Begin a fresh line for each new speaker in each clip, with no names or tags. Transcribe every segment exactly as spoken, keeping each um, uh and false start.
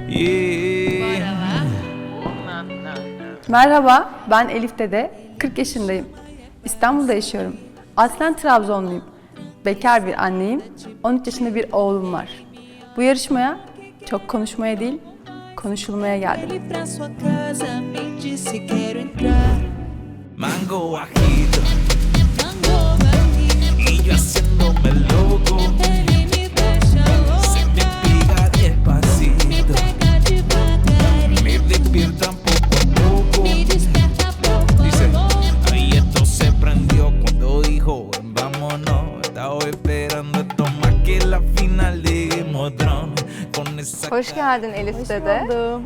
Merhaba, ben Elif Dede, kırk yaşındayım. İstanbul'da yaşıyorum. Aslen Trabzonluyum. Bekar bir anneyim, on üç yaşında bir oğlum var. Bu yarışmaya çok konuşmaya değil, konuşulmaya geldim.
Mango bajito, y yo haciéndome loco, se me pega despacito, me despiertan poco a poco. Dice, ahí esto se prendió cuando dijo vámonos. Estaba esperando esto más que la final de Game of Thrones. Con esa
Hoş geldin Elif Dede.
Buldum.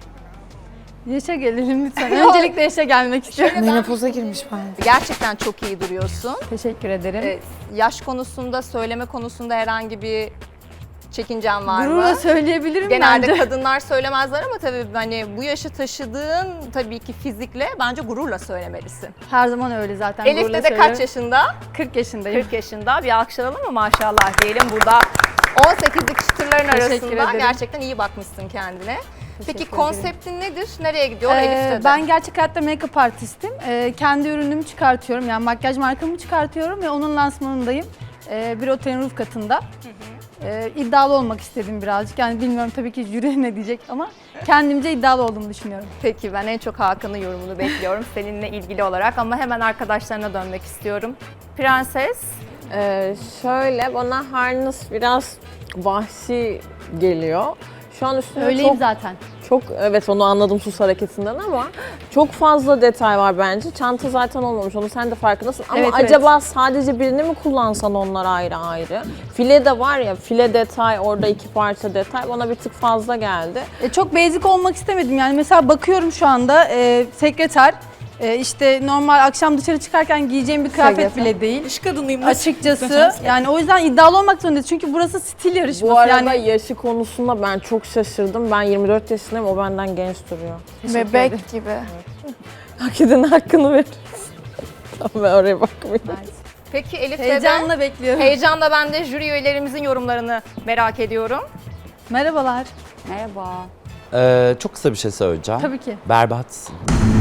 Yaşa gelelim lütfen. Öncelikle yaşa gelmek istiyorum.
Menopoza girmiş bence.
Gerçekten çok iyi duruyorsun.
Teşekkür ederim.
Ee, yaş konusunda, söyleme konusunda herhangi bir çekincen var
Gururla
mı?
söyleyebilirim
Genelde
bence.
kadınlar söylemezler ama tabii hani bu yaşı taşıdığın tabii ki fizikle bence gururla söylemelisin.
Her zaman öyle zaten.
Elif
gururla
Dede kaç
söylüyorum.
yaşında?
kırk yaşındayım.
kırk yaşında. Bir alkışlayalım mı maşallah diyelim burada. on sekizlik çıtırların
Teşekkür
arasında
ederim.
gerçekten iyi bakmışsın kendine. Peki
ederim.
konseptin nedir? Nereye gidiyor
Ee,
Elif Dede?
ben gerçek hayatta make-up artistim. Ee, kendi ürünümü çıkartıyorum. Yani makyaj markamı çıkartıyorum ve onun lansmanındayım. Ee, bir otelin roof katında. Ee, iddialı olmak istedim birazcık. Yani bilmiyorum tabii ki jüri ne diyecek ama kendimce iddialı olduğumu düşünüyorum.
Peki ben en çok Hakan'ın yorumunu bekliyorum seninle ilgili olarak ama hemen arkadaşlarına dönmek istiyorum. Prenses,
Ee, şöyle bana harness biraz vahşi geliyor. Şu an üstünde
Öyleyim
çok,
zaten.
çok, evet onu anladım sus hareketinden ama çok fazla detay var bence. Çanta zaten olmamış, onu sen de farkındasın. Ama
Evet, evet.
acaba sadece birini mi kullansan onlar ayrı ayrı? File de var ya, file detay, orada iki parça detay bana bir tık fazla geldi.
E, çok basic olmak istemedim. Yani mesela bakıyorum şu anda e, sekreter. E, işte normal akşam dışarı çıkarken giyeceğim bir kıyafet
Sekreter.
bile değil.
İş kadınıyım.
Açıkçası yani o yüzden iddialı olmak zorundayız. Çünkü burası stil yarışması.
Bu arada
yani
yaşı konusunda ben çok şaşırdım. Ben yirmi dört yaşındayım, o benden genç duruyor.
Bebek gibi.
Hak edenin hakkını veririz. Tamam, ben oraya bakmayayım.
peki Elif Dede,
heyecanla bekliyorum.
heyecanla ben de jüri üyelerimizin yorumlarını merak ediyorum.
Merhabalar.
Merhaba. Ee, çok kısa bir şey söyleyeceğim.
Tabii ki.
Berbatsın.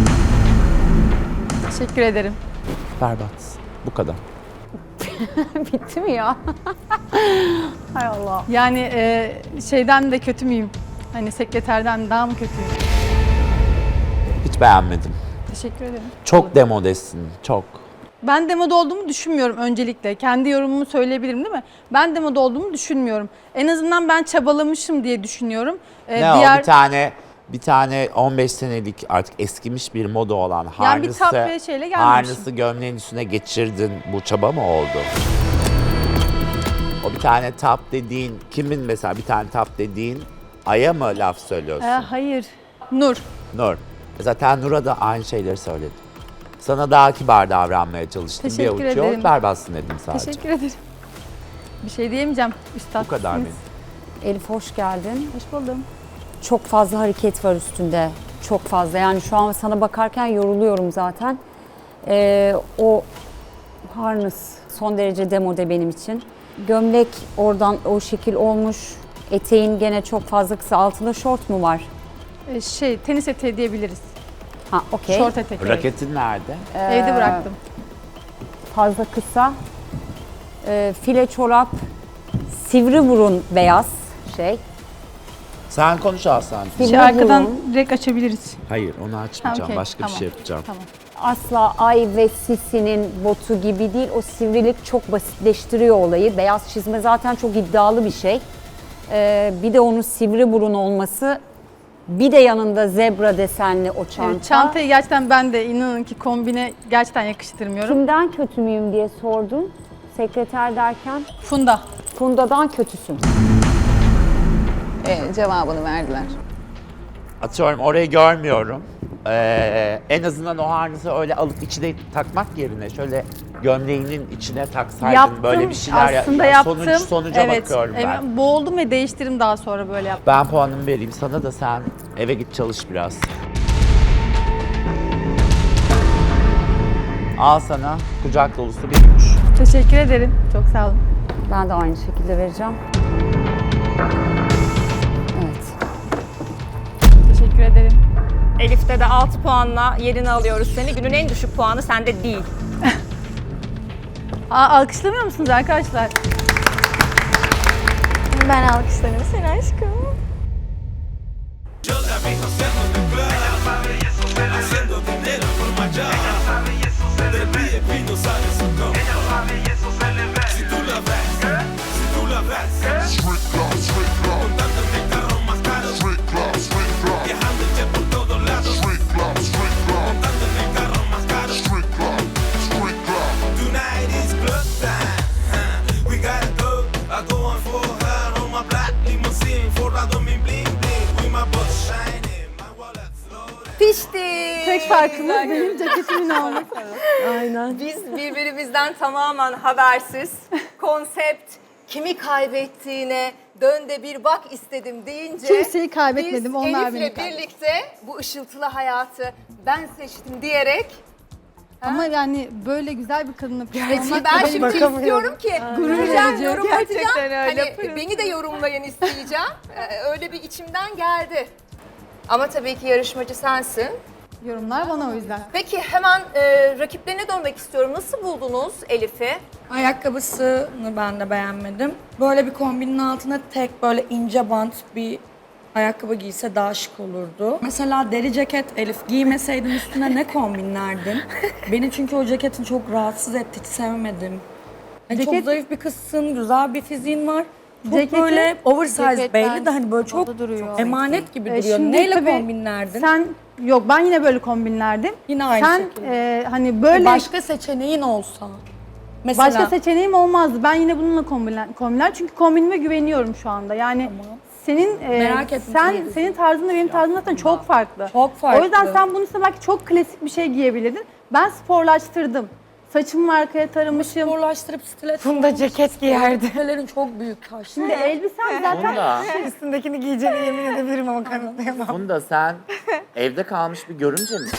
Teşekkür ederim.
Berbatsın. Bu kadar.
Bitti mi ya? Hay Allah. Yani e, şeyden de kötü müyüm? Hani sekreterden daha mı kötüyüm?
Hiç beğenmedim.
Teşekkür ederim.
Çok demodesin. Çok.
Ben demoda olduğumu düşünmüyorum öncelikle. Kendi yorumumu söyleyebilirim değil mi? Ben demoda olduğumu düşünmüyorum. En azından ben çabalamışım diye düşünüyorum. Ee,
ne
diğer...
o? Bir tane bir tane on beş senelik artık eskimiş bir moda olan
Yani bir
harnesi,
tap ve şeyle gelmemişim.
harnesi gömleğin üstüne geçirdin. Bu çaba mı oldu? O bir tane tap dediğin, kimin mesela bir tane tap dediğin Ay'a mı laf söylüyorsun?
Ee, hayır. Nur.
Nur. Zaten Nur'a da aynı şeyleri söyledim. Sana daha kibar davranmaya çalıştım.
Teşekkür
bir avuç yok,
ederim.
berbatsın dedim sadece.
Teşekkür ederim. Bir şey diyemeyeceğim. Üstad.
Bu kadar benim.
Elif hoş geldin.
Hoş buldum.
Çok fazla hareket var üstünde. Çok fazla. Yani şu an sana bakarken yoruluyorum zaten. Ee, o harness son derece demode benim için. Gömlek oradan o şekil olmuş. Eteğin gene çok fazla kısa. Altında şort mu var?
Ee, şey, tenis eteği diyebiliriz.
Ha, okey.
Şort etek. evet.
Raketin nerede?
Evde bıraktım.
Fazla kısa. Ee, file çorap. Sivri burun beyaz şey.
Sen konuş Aslan.
Sivri
Şey, arkadan
burun.
direkt açabiliriz.
Hayır, onu açmayacağım.
Ha, okey,
Başka
tamam.
bir şey yapacağım.
Tamam.
Asla Ay ve Sisi'nin botu gibi değil. O sivrilik çok basitleştiriyor olayı. Beyaz çizme zaten çok iddialı bir şey. Ee, bir de onun sivri burun olması. Bir de yanında zebra desenli o çanta.
Evet, çantayı gerçekten ben de inanın ki kombine gerçekten yakıştırmıyorum.
Kimden kötü müyüm diye sordun. Sekreter derken
Funda.
Funda'dan kötüsün.
Ee, cevabını verdiler.
Atıyorum orayı görmüyorum. Ee, en azından o harnesi öyle alıp içine takmak yerine şöyle gömleğinin içine taksaydın
Yaptım.
böyle bir şeyler ya-
Aslında
ya
yaptım.
Sonuç, sonuca
evet,
bakıyorum ben.
evet, boğuldum ve değiştirdim daha sonra böyle yaptım.
Ben puanımı vereyim sana da sen eve git çalış biraz. Al sana kucak dolusu bir üç.
Teşekkür ederim. Çok sağ olun.
Ben de aynı şekilde vereceğim. Evet.
Elif'te de altı puanla yerini alıyoruz seni. Günün en düşük puanı sende değil.
Aa, alkışlamıyor musunuz arkadaşlar?
Ben alkışlarım seni aşkım.
Yo la vi haciendo de club, haciendo dinero por mayor. Del V I P no sale su coma. Si tú la ves, si tú la ves, montando en el carro más caro, viajando ya por todos lados, montando en el carro más caro. Tonight is club time, huh? We gotta go. I go on for her on my black limousine, forrado mi bling bling, with my boss shining, my wallet's loaded.
Pişti.
Tek farkımız benim ceketimin olması.
Aynen.
Biz birbirimizden tamamen habersiz, konsept, kimi kaybettiğine dön de bir bak istedim deyince
Kimseyi kaybetmedim,
biz
onlar
Elif'le
beni kaybetti.
birlikte bu ışıltılı hayatı ben seçtim diyerek
Ama yani böyle güzel bir kadınla
Peki
olmak
ben
da
şimdi
benim-
istiyorum ki göreceğim,
verici.
yorum
Gerçekten
atacağım.
öyle.
Hani beni de yorumlayın isteyeceğim. Ee, öyle bir içimden geldi. Ama tabii ki yarışmacı sensin.
Yorumlar bana o yüzden.
Peki hemen e, rakiplerine dönmek istiyorum. Nasıl buldunuz Elif'i?
Ayakkabısını ben de beğenmedim. Böyle bir kombinin altına tek böyle ince bant bir ayakkabı giyse daha şık olurdu. Mesela deri ceket Elif giymeseydin üstüne ne kombinlerdin? Beni çünkü o ceketin çok rahatsız etti, hiç sevmedim. Yani çok
Ceket-
zayıf bir kızsın, güzel bir fiziğin var. Çok
Ceketi-
böyle oversize
Ceket
belli de hani böyle
o
çok,
da duruyor.
çok emanet gibi
Ee,
duruyor.
şimdi
Neyle
tabii
kombinlerdin?
Sen yok ben yine böyle kombinlerdim.
Yine aynı
Sen
şekilde.
e, hani böyle
Başka seçeneğin olsa. Mesela
başka seçeneğim olmazdı. Ben yine bununla kombinler, kombinler çünkü kombinime güveniyorum şu anda. Yani
Tamam.
senin e,
Merak ettim
sen
tabii.
senin tarzınla benim tarzım zaten çok farklı.
Çok farklı.
O yüzden sen bunun üstüne belki çok klasik bir şey giyebilirdin. Ben sporlaştırdım. Saçımı arkaya taramışım.
sporlaştırıp stiletto. Bunda ceket giyerdi. Küpelerin çok büyük taş.
Şimdi elbisem zaten
Funda,
Üstündekini giyeceğini yemin edebilirim ama kanıtlayamam.
Funda sen evde kalmış bir görümce misin?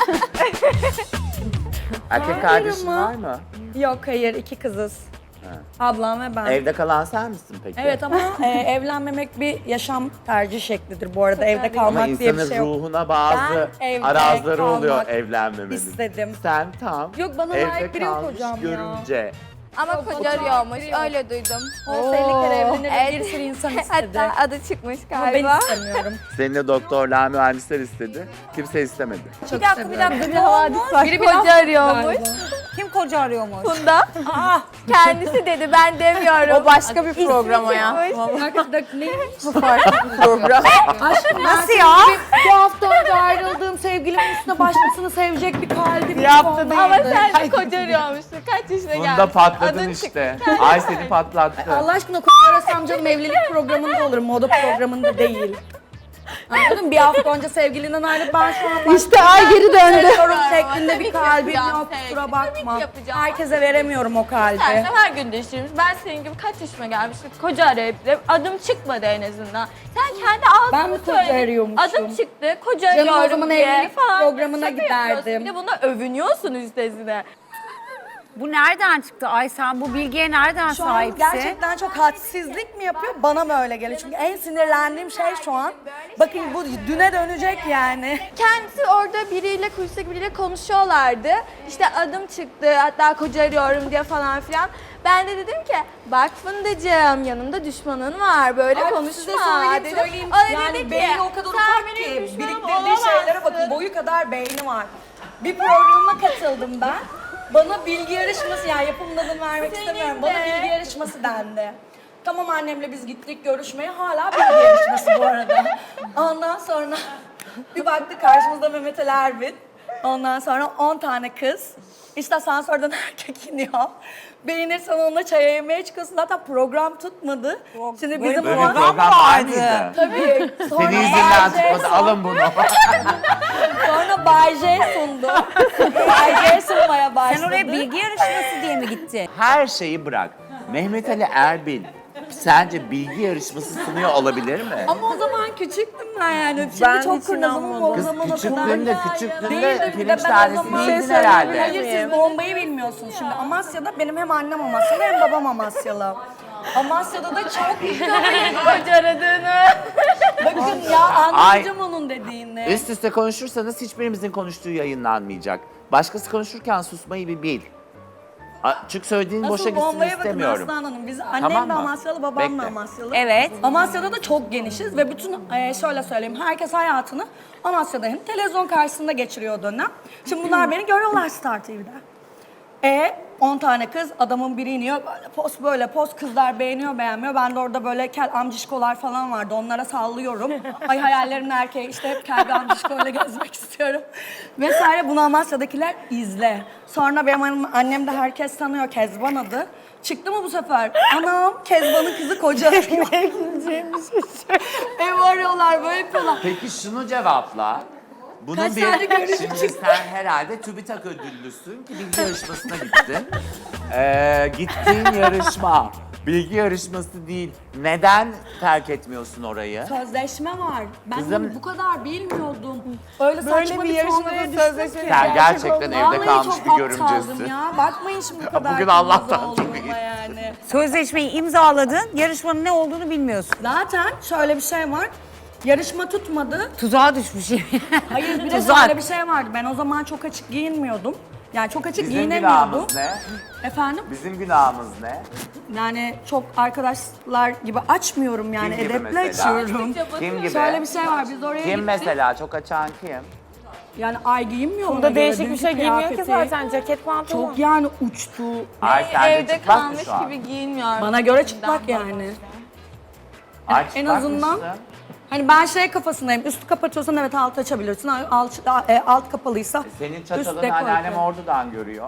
Erkek kardeşin
ama.
var mı?
Yok hayır iki kızız. Ablam ve ben.
Evde kalan sen misin peki?
Evet ama e, evlenmemek bir yaşam tercih şeklidir bu arada. Evde kalmak
Ama
diye bir
insanın
şey yok.
ruhuna bazı
Ben evde
arazları oluyor
kalmak
evlenmemenin.
istedim.
Sen tam
Yok, bana
evde
layık biri yok
kalmış
hocam ya.
görümce.
Ama koca arıyormuş öyle duydum.
Olsa elli kere evlenir
Evet.
bir sürü insan istedi.
Hatta adı çıkmış
Ama ben
galiba.
istemiyorum.
Seni de doktorlar, mühendisler istedi. Kimse istemedi.
Çok
Bir dakika bir
seviyorum.
dakika bir havadis var.
Biri bir
Koca
laf
arıyormuş.
galiba. Kim koca arıyormuş?
Funda. Kendisi dedi ben demiyorum.
O başka bir program o ya.
Bak, bak, neymiş?
Program.
Aşkım
Nasıl ya?
Bir hafta önce ayrıldığım sevgilimin üstüne başkasını sevecek bir kalbim
Bir hafta değil.
Ama sen de koca arıyormuşsun. Kaç yaşına geldin?
Bunda patladın
Adın
işte. Ay seni patlattı.
Allah aşkına koca arasam canım evlilik programında olur, moda programında değil. Anladın mı? Bir hafta önce sevgilinden ayrılıp ben şu an
işte ay geri döndü.
Seviyorum şeklinde
Tabii
bir
ki
kalbim
yapacağım
yok,
sevgili,
kusura
tabii ki
bakma.
yapacağım.
Herkese veremiyorum o kalbi.
Sen de her gün değiştirmiş. Ben senin gibi kaç yaşıma gelmiştim. Koca arayıp adım çıkmadı en azından. Sen kendi
Ben
ağzını
mi koca
söyledin.
arıyormuşum?
Adım çıktı. Koca
Canım, o
arıyorum
zaman
diye
evlilik
falan.
programına
Şaka yapıyorsun.
giderdim.
Bir de buna övünüyorsun üstesine.
Bu nereden çıktı? Ay sen bu bilgiye nereden
Şu an
sahipsin?
gerçekten çok hadsizlik mi yapıyor? Bana mı öyle geliyor? Çünkü en sinirlendiğim şey şu an. Bakın bu düne dönecek yani.
Kendisi orada biriyle, kulisteki biriyle konuşuyorlardı. İşte adım çıktı, hatta koca arıyorum diye falan filan. Ben de dedim ki, bak Fundacığım yanımda düşmanın var, böyle
Ay,
konuşma
size söyleyeyim,
dedim.
söyleyeyim.
O da
Yani
dedi ki,
beyni o kadar
sen
ufak
benim
ki
düşmanım
biriktirdiği şeylere bakın,
olamazsın.
boyu kadar beyni var. Bir programa katıldım ben. Bana bilgi yarışması, yani yapımın adını vermek
Senin
istemiyorum. Bana
de.
bilgi yarışması dendi. Tamam annemle biz gittik görüşmeye, hala bilgi yarışması bu arada. Ondan sonra bir baktık karşımızda Mehmet Ali Erbil. Ondan sonra on tane kız. İşte asansörden erkek iniyor. Beğenirsen onunla çaya yemeye çıkıyorsun. Zaten program tutmadı. Şimdi bizim
Böyle
o-
bir program var mıydı?
Tabii. Sonra
Senin yüzünden
Bay J
tutmadı. Alın bunu.
Sonra Bay J sundu. Bay J sunmaya başladı.
Sen oraya bilgi yarışması diye mi gittin?
Her şeyi bırak. Mehmet Ali Erbil sence bilgi yarışması sunuyor olabilir mi?
Ama o zaman küçüktüm ben yani. Şimdi
Ben
çok
hiç
kurnazım ama o
Kız
zaman o kadar.
küçüklüğünde küçüklüğünde
Değildim, bir de
pirinç
ben o
tanesi
zaman-
değildin
Şey
herhalde.
Hayır siz bombayı bilmiyorsunuz şimdi. Amasya'da benim hem annem Amasyalı hem babam Amasyalı. Amasya'da da çok
Koca aradığını.
bakın ya anlatacağım onun onun dediğini.
Üst üste konuşursanız hiçbirimizin konuştuğu yayınlanmayacak. Başkası konuşurken susmayı bir bil. A- Çünkü söylediğin boşa
Asıl
gitsin
bombaya bakın
istemiyorum.
Aslan Hanım. Biz annem
Tamam
de
mı?
Amasyalı, babam da
Bekle.
Amasyalı.
Evet.
Amasya'da da çok genişiz ve bütün e, şöyle söyleyeyim herkes hayatını Amasya'da hem televizyon karşısında geçiriyor o dönem. Şimdi bunlar beni görüyorlar Star T V'de. E on tane kız adamın biri iniyor böyle post böyle post kızlar beğeniyor beğenmiyor. Ben de orada böyle kel amcişkolar falan vardı onlara sallıyorum. Ay hayallerimin erkeği işte hep kel bir amcişkoyla gezmek istiyorum. Vesaire bunu Amasya'dakiler izle. Sonra benim annem, annem de herkes tanıyor Kezban adı. Çıktı mı bu sefer? Anam Kezban'ın kızı koca arıyor. Ev arıyorlar böyle yapıyorlar.
Peki şunu cevapla. Bunun
Kaç
bir,
tane görüntü
şimdi
çıktı?
sen herhalde TÜBİTAK ödüllüsün ki bilgi yarışmasına gittin. Ee, gittiğin yarışma, bilgi yarışması değil. Neden terk etmiyorsun orayı?
Sözleşme var. Ben
Kızım-
bunu bu kadar bilmiyordum. Öyle
Böyle
saçma
bir
bir
yarışmaya
tonda
sözleşme
ki.
Sen gerçekten evde
Vallahi
kalmış
çok
bir görümcesin.
aptaldım ya. Bakmayın şimdi bu kadar.
Bugün Allah'tan
kırmızı
çok
olduğuma
iyi.
yani.
Sözleşmeyi imzaladın, yarışmanın ne olduğunu bilmiyorsun.
Zaten şöyle bir şey var. Yarışma tutmadı.
Tuzağa düşmüş.
Hayır bir de
Tuzak.
şöyle bir şey vardı. Ben o zaman çok açık giyinmiyordum. Yani çok açık
Bizim
giyinemiyordum.
günahımız ne?
Efendim?
Bizim günahımız ne?
Yani çok arkadaşlar gibi açmıyorum yani.
Kim gibi
Edeple
mesela?
açıyorum.
Kim gibi?
Şöyle bir şey var. Biz oraya
Kim
gittik.
mesela? Çok açan kim?
Yani ay giyinmiyor ona
Bunda
göre.
değişik bir
Dünkü
şey giymiyor ki
kıyafeti
zaten. Ceket pantolon.
Çok yani uçtu.
Ay sen de
Evde
çıplak mı
kalmış
şu an?
gibi giyinmiyor.
Bana göre çıplak yani.
Ay,
En
çıplak
azından
mısın?
hani ben şey kafasındayım. Üstü kapatıyorsan evet alt açabilirsin. Alt, e, alt kapalıysa
Senin
üst
çatalını
dekolte.
anneannem ordudan görüyor.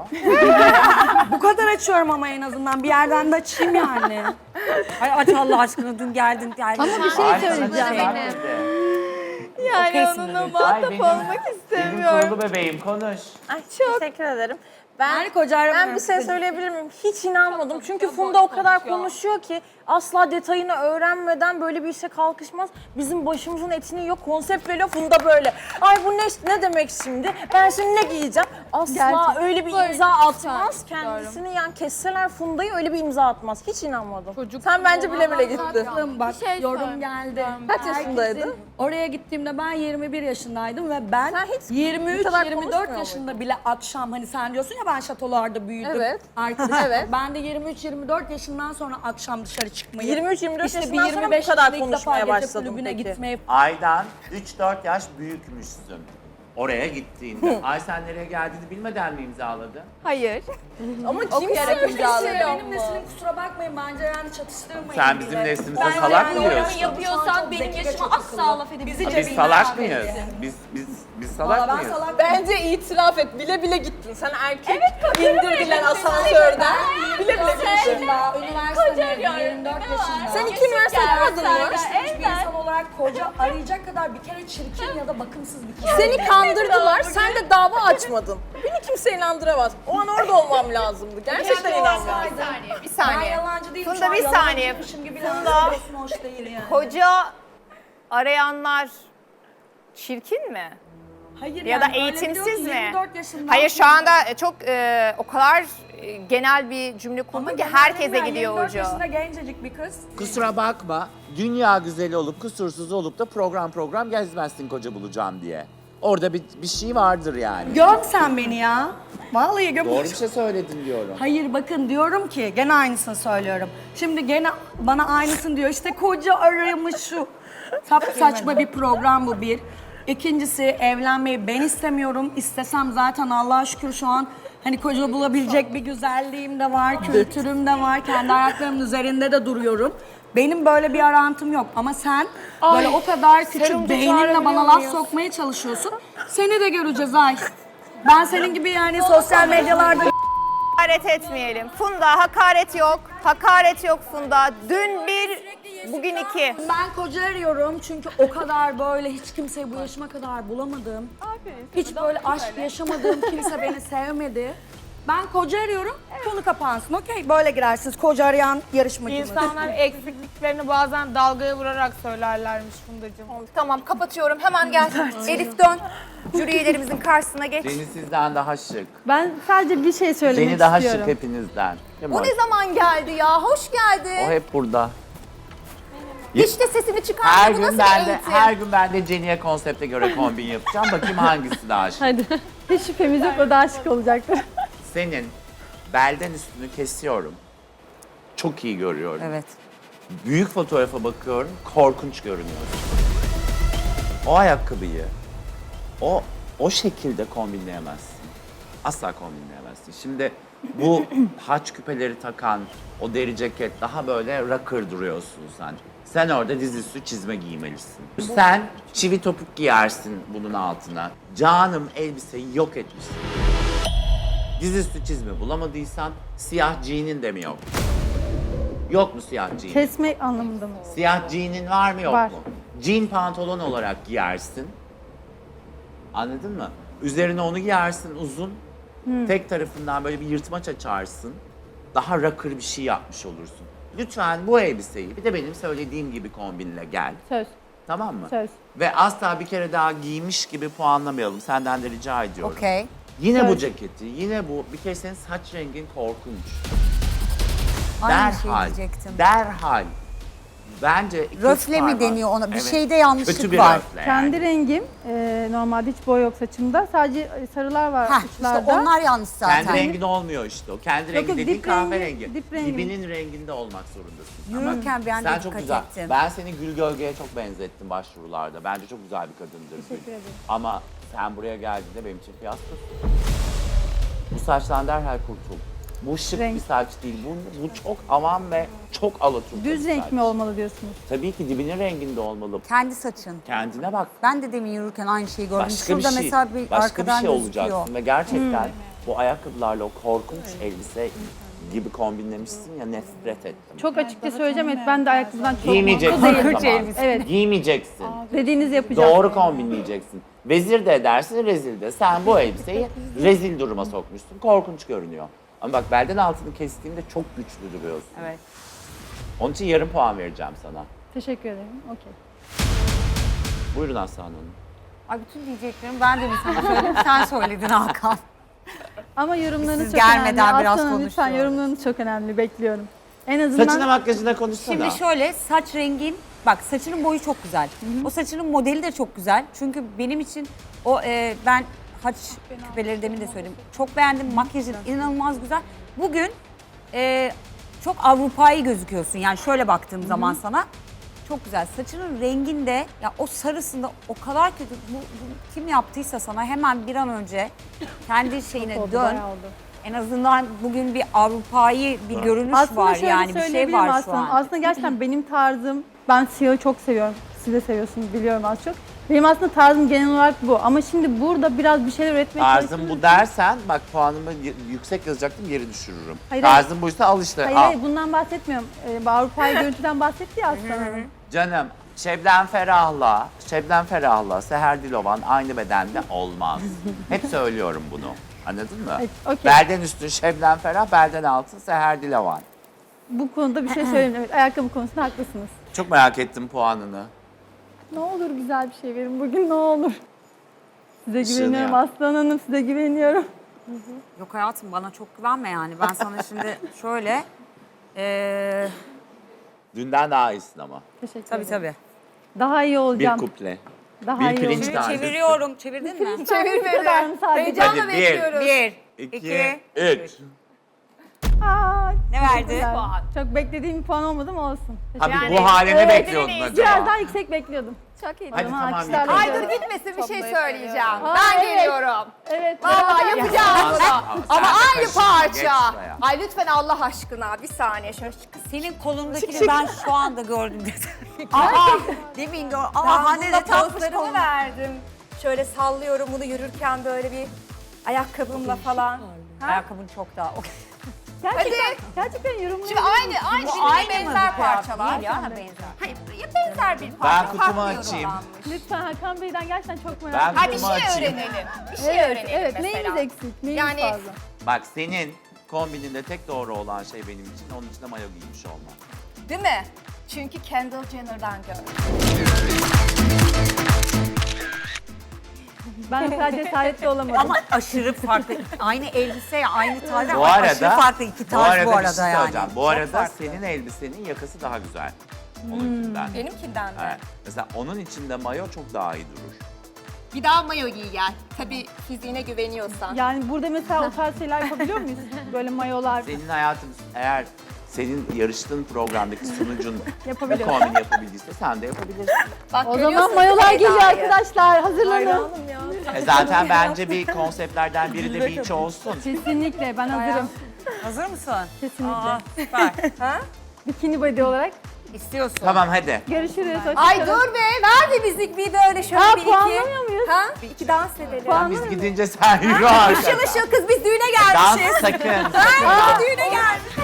Bu kadar açıyorum ama en azından bir yerden de açayım yani.
Ay aç Allah aşkına dün geldin. geldin.
Ama bir şey
Ay, sana
söyleyeceğim.
çıplak dedi.
Yani
Okeysin
onunla
dedi.
muhatap
Ay, benim-
olmak
Benim
istemiyorum.
kurulu bebeğim konuş.
Ay, teşekkür ederim. Ben,
Yani koca aramıyorum.
ben bir şey söyleyebilir miyim? Hiç inanmadım. Çünkü Funda o kadar konuşuyor ki asla detayını öğrenmeden böyle bir işe kalkışmaz. Bizim başımızın etini yok. Konsept veriyor Funda böyle. Ay bu ne, ne demek şimdi? Ben şimdi ne giyeceğim? Asla
Gerçekten.
öyle bir imza atmaz. Kendisini yani kesseler Funda'yı öyle bir imza atmaz. Hiç inanmadım. Sen bence bile bile gittin.
Tatlım, bak
Bir şey
yorum
söyleyeyim.
geldi.
Kaç yaşındaydın?
Herkesin- Oraya gittiğimde ben yirmi bir yaşındaydım ve ben
Sen hiç
yirmi
bu
üç
kadar
yirmi
konuşmuyor
dört yaşında bile akşam hani sen diyorsun ya ben şatolarda büyüdüm.
Evet.
Arkadaşım.
Evet.
Ben de yirmi üç yirmi dört yaşından sonra akşam dışarı çıkmayı.
yirmi üç yirmi dört
işte bir
yaşından sonra
yirmi
bu
beş
kadar
yaşında ilk defa
konuşmaya
gece
başladın
kulübüne
peki.
gitmeye.
Aydan üç dört yaş büyükmüşsün. Oraya gittiğinde. Ay sen nereye geldiğini bilmeden mi imzaladı?
Hayır.
Ama kim
Okuyarak
söylüyor?
imzaladım.
Benim neslim kusura bakmayın bence yani çatıştırmayın
Sen
bile.
bizim neslimize
Ben
salak
yani
mı
yorum
diyorsun?
yapıyorsan
Çok
benim
zeki ve
yaşıma
çok
asla
akıllı.
laf edebilirsin.
Bizi
Biz
cebinden
salak
verin.
mıyız? Biz biz biz
Valla
salak
ben
mıyız?
salak
Bence itiraf et. Bile bile gittin. Sen erkek indirdiler asansörden. Bile bile gittin.
yaşında, üniversite mezunu, yirmi dört yaşında.
Sen iki üniversite okumadın mı?
Hiçbir insan olarak koca arayacak kadar bir kere çirkin ya da bakımsız bir kere.
Seni kandırdılar. Sen de dava açmadın. Beni kimse inandıramaz. O an orada olmam lazımdı. Gerçekten inanmam.
Bir
Ben
saniye.
yalancı değilim.
Funda
şu an
bir saniye.
yalancıymışım gibi
Funda.
lanse ediyorsun, hoş değil yani.
Koca arayanlar çirkin mi?
Hayır
Ya da
yani öyle
eğitimsiz
diyor ki
mi?
yirmi dört yaşında.
Hayır şu anda çok e, o kadar e, genel bir cümle
Ama
kurdun ki
genelde
herkese
yani
gidiyor
yirmi dört
ucu.
yaşında gencecik bir kız.
Kusura bakma. Dünya güzeli olup kusursuz olup da program program gezmezsin koca bulacağım diye. Orada bir, bir şey vardır yani.
Göm sen beni ya. Vallahi göm.
Doğru bir şey söyledin diyorum.
Hayır bakın diyorum ki gene aynısını söylüyorum. Şimdi gene bana aynısını diyor. İşte koca aramış şu. Sap saçma bir program bu bir. İkincisi evlenmeyi ben istemiyorum. İstesem zaten Allah'a şükür şu an hani koca bulabilecek bir güzelliğim de var, kültürüm de var. Kendi ayaklarımın üzerinde de duruyorum. Benim böyle bir arantım yok ama sen böyle o kadar küçük beyninle bana laf sokmaya çalışıyorsun. Seni de göreceğiz ay. Ben senin gibi yani sosyal medyalarda
Hakaret etmeyelim. Funda hakaret yok. Hakaret yok Funda. Dün bir, bugün iki.
ben koca arıyorum çünkü o kadar böyle hiç kimseyi bu yaşıma kadar bulamadım. Hiç böyle aşk yaşamadığım kimse beni sevmedi. Ben koca arıyorum, konu kapansın. Okey, böyle girersiniz koca arayan yarışmacımız.
İnsanlar eksikliklerini bazen dalgaya vurarak söylerlermiş Fundacığım.
Tamam kapatıyorum. Hemen gel. Elif dön. Jüri üyelerimizin karşısına geç.
Deniz sizden daha şık.
Ben sadece bir şey söylemek
Deni daha
istiyorum.
şık hepinizden. Değil mi?
O ne zaman geldi ya? Hoş
O
geldin.
hep burada.
Hiç de sesini
Her
çıkarmıyor. Bu
gün
nasıl
ben
bir
de
eğitim?
her gün ben de Jenny'e konsepte göre kombin yapacağım. Bakayım hangisi daha şık.
Hadi. Hiç şüphemiz yok, o daha şık olacaktır.
Senin belden üstünü kesiyorum. Çok iyi görüyorum.
Evet.
Büyük fotoğrafa bakıyorum, korkunç görünüyorsun. O ayakkabıyı o o şekilde kombinleyemezsin. Asla kombinleyemezsin. Şimdi bu haç küpeleri takan, o deri ceket daha böyle rocker duruyorsun sen. Sen orada dizüstü çizme giymelisin. Sen çivi topuk giyersin bunun altına. Canım elbiseyi yok etmişsin. Dizüstü çizme bulamadıysan siyah jean'in de mi yok? Yok mu siyah jean?
Kesme anlamında mı?
Siyah jean'in var mı yok
Var.
mu? Jean pantolon olarak giyersin. Anladın mı? Üzerine onu giyersin uzun. Tek tarafından böyle bir yırtmaç açarsın. Daha rocker bir şey yapmış olursun. Lütfen bu elbiseyi bir de benim söylediğim gibi kombinle gel.
Söz.
Tamam mı?
Söz.
Ve asla bir kere daha giymiş gibi puanlamayalım. Senden de rica ediyorum.
Okey.
Yine
Evet.
bu ceketi, yine bu. Bir kere senin saç rengin korkunç.
Aynı şey
derhal,
diyecektim.
derhal. Bence ikiz
Röfle mi
parmak.
deniyor ona? Bir
Evet.
şeyde yanlışlık
Kötü bir
var.
röfle
Kendi
yani.
rengim, e, normalde hiç boy yok saçımda. Sadece sarılar var
Heh, işte
uçlarda.
onlar yanlış zaten.
Kendi rengin olmuyor işte o. Kendi
Yok,
rengi
yok,
dediğin
dip rengi,
kahverengi.
dip rengi.
Dibinin renginde olmak zorundasın.
Yürürken
Ama
ben de
sen
dikkat
çok güzel.
ettim.
Ben seni Gül Gölge'ye çok benzettim başvurularda. Bence çok güzel bir kadındır Gül.
Teşekkür ederim.
Ama sen buraya geldiğinde benim için fiyaskosun. Bu saçtan derhal kurtul. Bu şık
Renk.
bir saç değil. Bu, bu çok avam ve çok alaturka
Düz
bir
renk
saç.
mi olmalı diyorsunuz?
Tabii ki dibinin renginde olmalı.
Kendi saçın.
Kendine bak.
Ben de demin yürürken aynı şeyi gördüm.
Başka bir
Şurada
şey,
mesela bir
başka bir
arkadan
şey
gözüküyor.
olacaksın ve gerçekten bu ayakkabılarla o korkunç elbise gibi kombinlemişsin ya nefret ettim.
Çok açıkça söyleyeceğim, evet ben de ayakkabıdan çok
Giymeyeceksin
mutlu
o
değilim.
zaman.
Evet,
Giymeyeceksin.
dediğinizi yapacağım.
Doğru kombinleyeceksin. Vezir de edersin, rezil de. Sen bu elbiseyi rezil duruma sokmuşsun. Korkunç görünüyor. Ama bak belden altını kestiğinde çok güçlü duruyorsun.
Evet.
Onun için yarım puan vereceğim sana.
Teşekkür ederim. Okey.
Buyurun Aslan Hanım.
Ay bütün diyeceklerim ben de mi sana söyledim? Sen söyledin Hakan.
Ama yorumlarınız
Siz
çok
gelmeden
önemli.
biraz
Aslanım, lütfen
konuşuyoruz.
yorumlarınız çok önemli. Bekliyorum. En azından
Saçına makyajına konuşsana.
Şimdi şöyle saç rengin, bak saçının boyu çok güzel. O saçının modeli de çok güzel. Çünkü benim için o e, ben haç küpeleri demin de söyledim. Çok beğendim. Makyajın inanılmaz güzel. Bugün e, çok Avrupa'yı gözüküyorsun. Yani şöyle baktığım zaman sana. Çok güzel. Saçının renginde ya o sarısında o kadar kötü. Bu, bu kim yaptıysa sana hemen bir an önce kendi şeyine
oldu,
dön.
bayağı oldu.
En azından bugün bir Avrupa'yı bir görünüş
aslında
var
şöyle
yani bir şey
söyleyebilirim
var şu
aslında.
an.
Aslında gerçekten benim tarzım, ben siyahı çok seviyorum. Siz de seviyorsunuz biliyorum az çok. Benim aslında tarzım genel olarak bu. Ama şimdi burada biraz bir şeyler üretmeye
Tarzım
çalışıyorum.
bu dersen bak puanımı y- yüksek yazacaktım geri düşürürüm.
Hayır,
Tarzım buysa al işte.
Hayır
al.
hayır bundan bahsetmiyorum. Ee, Avrupa'yı görüntüden bahsetti ya Aslan Hanım.
Canım Şebnem Ferah'la, Şebnem Ferah'la Seher Dilovan aynı bedende olmaz. Hep söylüyorum bunu. Anladın mı?
Evet, okey.
Belden üstü Şebnem Ferah, belden altı Seher Dilovan.
Bu konuda bir şey söyleyeyim. Evet, ayakkabı konusunda haklısınız.
Çok merak ettim puanını.
Ne olur güzel bir şey verin bugün ne olur. Size
Işığını
güveniyorum
yap.
Aslan Hanım, size güveniyorum.
Yok hayatım bana çok güvenme yani. Ben sana şimdi şöyle... eee
Dünden daha iyisin ama.
Teşekkür
tabii
ederim.
tabii.
Daha iyi
Bir
olacağım.
kuple.
Daha
bir
iyi
pirinç
olacağım.
tanesi.
Çeviriyorum. Çevirdin mi?
Çevirmedi.
sadece.
Heyecanla
Hadi bir.
bekliyoruz.
Bir,
İki,
iki,
üç.
Aa,
Ne verdi?
teşekkürler. Çok beklediğim bir puan olmadı mı olsun.
Abi
Teşekkür
bu halini
Evet,
bekliyordun
Biraz
acaba.
daha yüksek bekliyordum.
Çok iyi.
Hadi
Ama
tamam.
alkışlarla
yeter.
Ay
ediyorum.
dur gitmesin bir şey söyleyeceğim.
Aa,
Ben
evet.
geliyorum.
Evet.
Vallahi
beraber-
yapacağım
Sen-
bunu.
sen
Ama
de
aynı
kaşınma, geç
parça.
şuraya.
Ay lütfen Allah aşkına bir saniye şöyle çık.
Senin kolundakini ben şu anda gördüm. Aa, demin gördüm. Aa, Hande de
Ben
takmış
pozlarımı
kolunu.
verdim. Şöyle sallıyorum bunu yürürken böyle bir ayakkabımla falan. Ha?
Ayakkabın çok daha.
Gerçekten,
Hadi.
gerçekten yorumunu
Şimdi aynı aynı birbirine benzer parçalar.
Değil ya, ha, benzer.
Hayır ya benzer bir parça.
kutumu
farklı
açayım.
yorumlanmış.
Lütfen Hakan Bey'den gerçekten çok merak
Ben
ediyorum.
Ha bir
kutumu
şey
açayım.
öğrenelim. Bir şey
Evet,
öğrenelim
evet.
mesela.
Neyimiz eksik, neyimiz
Yani-
fazla?
Bak senin kombininde tek doğru olan şey benim için onun içinde mayo giymiş olman.
Değil mi? Çünkü Kendall Jenner'dan gördüm.
Ben o kadar cesaretli olamadım.
Ama aşırı farklı. Aynı elbise, aynı tarz
Bu
ama aşırı
arada,
farklı iki
bu
tarz
arada
bu
bir
arada
şey
yani.
söyleyeceğim. Bu
Çok
arada
farklı.
senin elbisenin yakası daha güzel. onunkinden.
Benimkinden de.
Evet. Mesela onun içinde mayo çok daha iyi durur.
Bir daha mayo giy gel. Tabii fiziğine güveniyorsan.
Yani burada mesela o tarz şeyler yapabiliyor muyuz? Böyle mayolar.
Senin hayatın eğer senin yarıştığın programdaki sunucun bu
Yapabiliyor.
kombini yapabildiyse sen de yapabilirsin.
Bak,
O
görüyorsun
zaman mayolar
Seda'yı.
geliyor arkadaşlar. Hazırlanın.
Hayranım ya.
E zaten bence bir konseptlerden biri de beach olsun.
Kesinlikle ben hazırım.
Hazır mısın?
Kesinlikle.
Aa, süper.
Bikini body olarak.
İstiyorsun.
Tamam hadi.
Görüşürüz.
Ay
hoşçakalın.
dur be, ver bir müzik bir de öyle şöyle
Ha,
bir iki.
puanlamıyor muyuz?
Ha? Bir iki dans edelim.
Tamam, biz gidince sen yürü arkadan.
Işıl ışıl kız biz düğüne
Dans
gelmişiz.
sakın.
Ha,
sakın.
düğüne gelmişiz.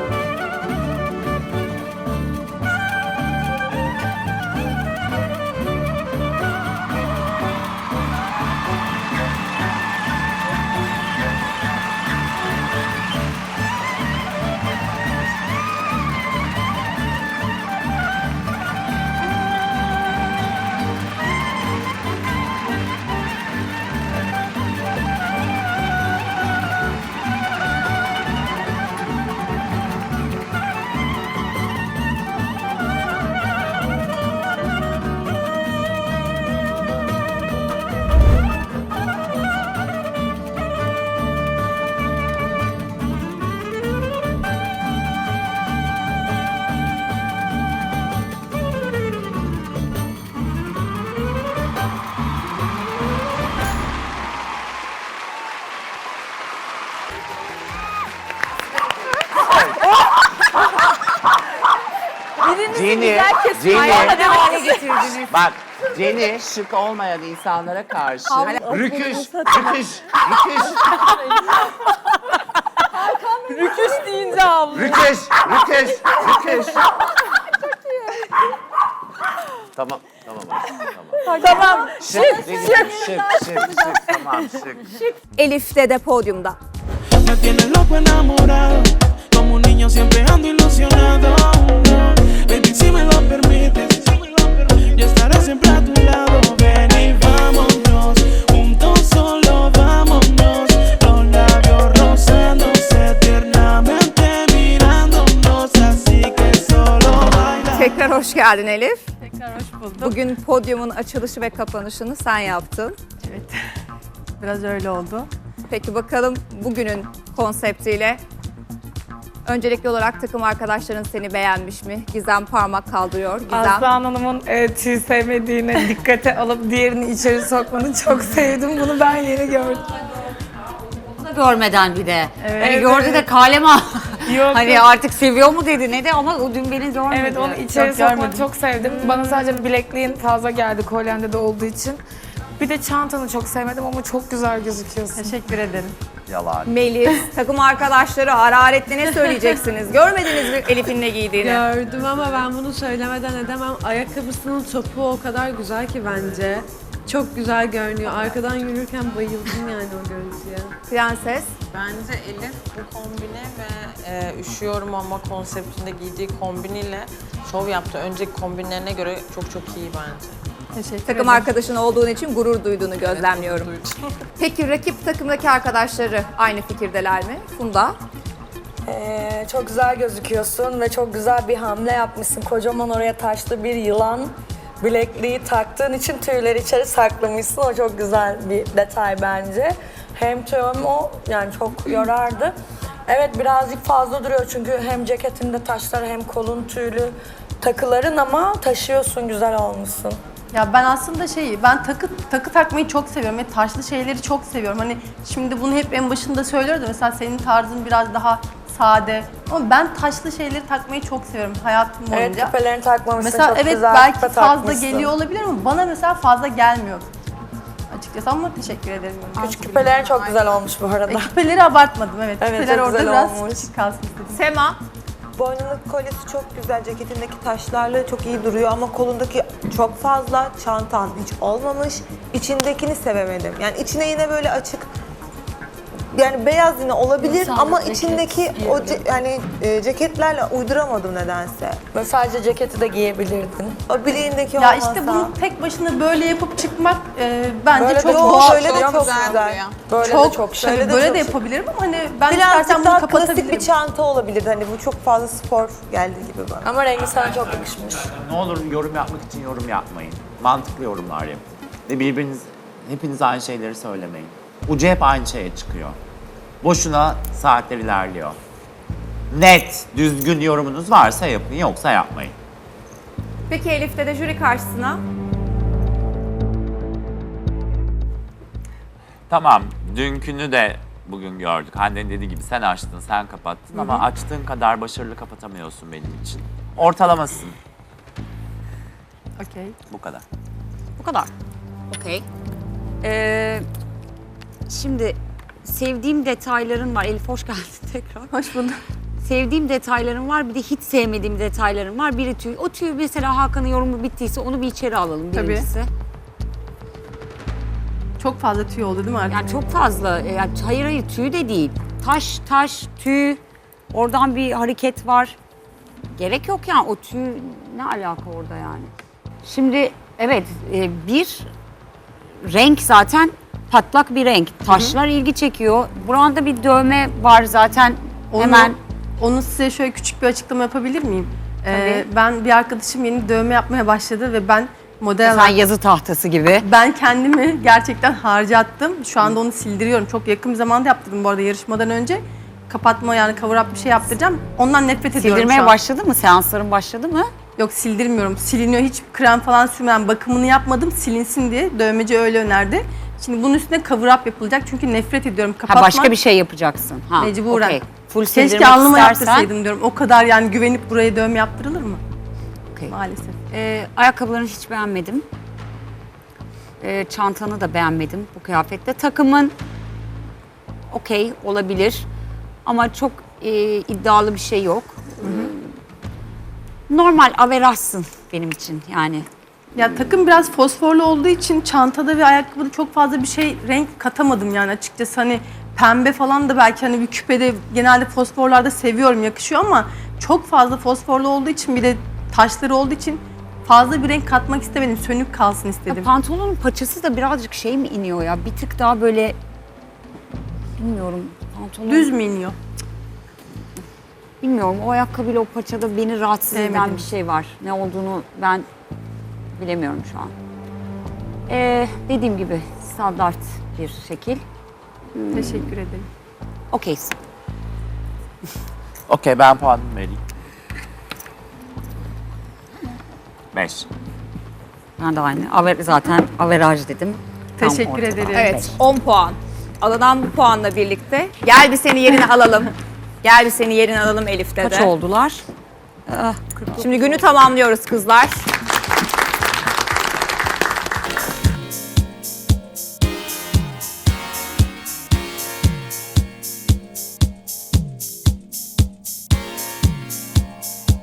Jenny, Jenny. Bak, Jenny şık olmayan insanlara karşı rüküş, rüküş, rüküş,
Rüküş deyince abla.
rüküş, rüküş, rüküş. Tamam, tamam, tamam.
Tamam.
Şık, dedim, şık, şık, şık, tamam, şık.
Elif de podyumda.
Me tienes loco enamorado, como un niño siempre ando ilusionado. Baby, si me lo permites, yo estaré siempre a tu lado. Ven y vámonos, juntos solo vámonos. Los labios rozándose tiernamente mirándonos, así que solo baila.
Tekrar hoş geldin Elif.
Tekrar hoş bulduk.
Bugün podyumun açılışı ve kapanışını sen yaptın.
Evet. Biraz öyle oldu.
Peki bakalım bugünün konseptiyle öncelikli olarak takım arkadaşların seni beğenmiş mi? Gizem parmak kaldırıyor. Gizem.
Aslan Hanım'ın e, tüy sevmediğini dikkate alıp diğerini içeri sokmanı çok sevdim. Bunu ben yeni gördüm.
Görmeden bir de.
Evet.
Hani gördü de kalem al.
Yok,
Hani
yok.
artık seviyor mu dedi ne de ama o dün beni görmedi.
Evet, onu içeri
Yok,
sokmanı
görmedim.
çok sevdim. Bana sadece bilekliğin fazla geldi kolyende de olduğu için. Bir de çantanı çok sevmedim ama çok güzel gözüküyorsun.
Teşekkür ederim.
Yalan.
Melis, takım arkadaşları hararetli ne söyleyeceksiniz? Görmediniz mi Elif'in ne giydiğini?
Gördüm ama ben bunu söylemeden edemem. Ayakkabısının topu o kadar güzel ki bence. Çok güzel görünüyor. Arkadan yürürken bayıldım yani o görüntüye.
Prenses.
Bence Elif bu kombine ve e, üşüyorum ama konseptinde giydiği kombiniyle şov yaptı. Önceki kombinlerine göre çok çok iyi bence.
Teşekkür
Takım
ederim.
arkadaşın olduğun için gurur duyduğunu gözlemliyorum. Peki rakip takımdaki arkadaşları aynı fikirdeler mi? Funda.
Ee, çok güzel gözüküyorsun ve çok güzel bir hamle yapmışsın. Kocaman oraya taşlı bir yılan bilekliği taktığın için tüyleri içeri saklamışsın. O çok güzel bir detay bence. Hem tüyüm o yani çok yorardı. Evet birazcık fazla duruyor çünkü hem ceketinde taşlar hem kolun tüylü takıların ama taşıyorsun, güzel olmuşsun.
Ya ben aslında şey, ben takı takı takmayı çok seviyorum ve taşlı şeyleri çok seviyorum. Hani şimdi bunu hep en başında söylüyordu. Mesela senin tarzın biraz daha sade. Ama ben taşlı şeyleri takmayı çok seviyorum hayatım boyunca.
Evet küpelerini takmamışsın,
Mesela
çok
evet
güzel
belki
küpe
fazla
takmışsın.
geliyor olabilir ama bana mesela fazla gelmiyor açıkçası ama teşekkür ederim.
Küçük küpelerin çok güzel olmuş bu arada.
E, küpeleri abartmadım evet.
Evet,
Küpeler
çok
orada
güzel
biraz
olmuş.
küçük kalsın istedim.
Sema.
Boynundaki kolyesi çok güzel, ceketindeki taşlarla çok iyi duruyor ama kolundaki çok fazla, çantan hiç olmamış. İçindekini sevemedim. Yani içine yine böyle açık
yani beyaz yine olabilir ama içindeki o ce- yani e, ceketlerle uyduramadım nedense.
Böyle sadece ceketi de giyebilirdin.
O bileğindeki
Ya
olmasa.
işte bunu tek başına böyle yapıp çıkmak e, bence
Böyle
çok
de
doğal.
böyle de çok güzel.
Böyle
çok,
de çok
tabii
Böyle de
böyle
çok
de
şık.
yapabilirim ama hani ben istersen
Birazcık
bunu
daha klasik
kapatabilirim.
bir çanta olabilirdi. Hani bu çok fazla spor geldi gibi bana.
Ama rengi sana çok yakışmış.
Ne olur yorum yapmak için yorum yapmayın. Mantıklı yorumlar yapın. Ve birbiriniz, hepiniz aynı şeyleri söylemeyin. Ucu hep aynı şeye çıkıyor. Boşuna saatler ilerliyor. Net, düzgün yorumunuz varsa yapın, yoksa yapmayın.
Peki Elif'te de jüri karşısına.
Tamam, dünkünü de bugün gördük. Hande'nin dediği gibi sen açtın, sen kapattın ama açtığın kadar başarılı kapatamıyorsun benim için. Ortalamasın.
Okey.
Bu kadar.
Bu kadar. Okey. Ee, şimdi sevdiğim detayların var. Elif hoş geldin tekrar.
Hoş bulduk.
Sevdiğim detaylarım var, bir de hiç sevmediğim detaylarım var. Biri tüy. O tüy mesela Hakan'ın yorumu bittiyse onu bir içeri alalım
Tabii.
birincisi.
Çok fazla tüy oldu değil mi artık?
Yani çok fazla. e, Yani hayır hayır tüy de değil. Taş taş tüy. Oradan bir hareket var. Gerek yok yani o tüy ne alaka orada yani. Şimdi evet e, bir renk zaten patlak bir renk. Taşlar ilgi çekiyor. Buranda bir dövme var zaten
Onu,
hemen.
Onu size şöyle küçük bir açıklama yapabilir miyim? Ee,
Tabii.
ben bir arkadaşım yeni dövme yapmaya başladı ve ben model
Sen
olarak
yazı tahtası gibi.
ben kendimi gerçekten harcattım. Şu anda onu sildiriyorum. Çok yakın bir zamanda yaptırdım bu arada yarışmadan önce. Kapatma yani cover up bir şey yaptıracağım. Ondan nefret ediyorum şu
Sildirmeye
an.
başladı mı? Seansların başladı mı?
Yok sildirmiyorum. Siliniyor. Hiç krem falan sürmeden bakımını yapmadım. Silinsin diye. Dövmeci öyle önerdi. Şimdi bunun üstüne cover up yapılacak. Çünkü nefret ediyorum.
Ha
Kapatmak
başka bir şey yapacaksın. Ha,
mecburen.
okey. Full sildirmek
Keşke alnıma
istersen.
yaptırsaydım diyorum. O kadar yani güvenip buraya dövme yaptırılır mı?
Okey.
Maalesef.
Ee, ayakkabılarını hiç beğenmedim. Ee, çantanı da beğenmedim bu kıyafette. Takımın okey olabilir ama çok e, iddialı bir şey yok. Ee, Normal averajsın benim için yani.
Ya takım biraz fosforlu olduğu için çantada ve ayakkabıda çok fazla bir şey renk katamadım yani açıkçası hani pembe falan da belki hani bir küpede genelde fosforlarda seviyorum yakışıyor ama çok fazla fosforlu olduğu için bir de taşları olduğu için fazla bir renk katmak istemedim. Sönük kalsın istedim.
Ya pantolonun paçası da birazcık şey mi iniyor ya? Bir tık daha böyle bilmiyorum. Pantolon
Düz mü iniyor?
Bilmiyorum. O ayakkabıyla o paçada beni rahatsız eden
Sevmedim.
bir şey var. Ne olduğunu ben bilemiyorum şu an. Ee, dediğim gibi standart bir şekil.
Teşekkür ederim.
Okeysin.
Okey, ben puanımı vereyim. Beş.
Ben de aynı. Aver, zaten averaj dedim. Tam
Teşekkür
ortada.
ederim.
Evet, on puan. Alınan bu puanla birlikte. Gel bir seni yerine alalım. Gel bir seni yerine alalım Elif'te de.
Kaç oldular? Ah,
Şimdi günü tamamlıyoruz kızlar.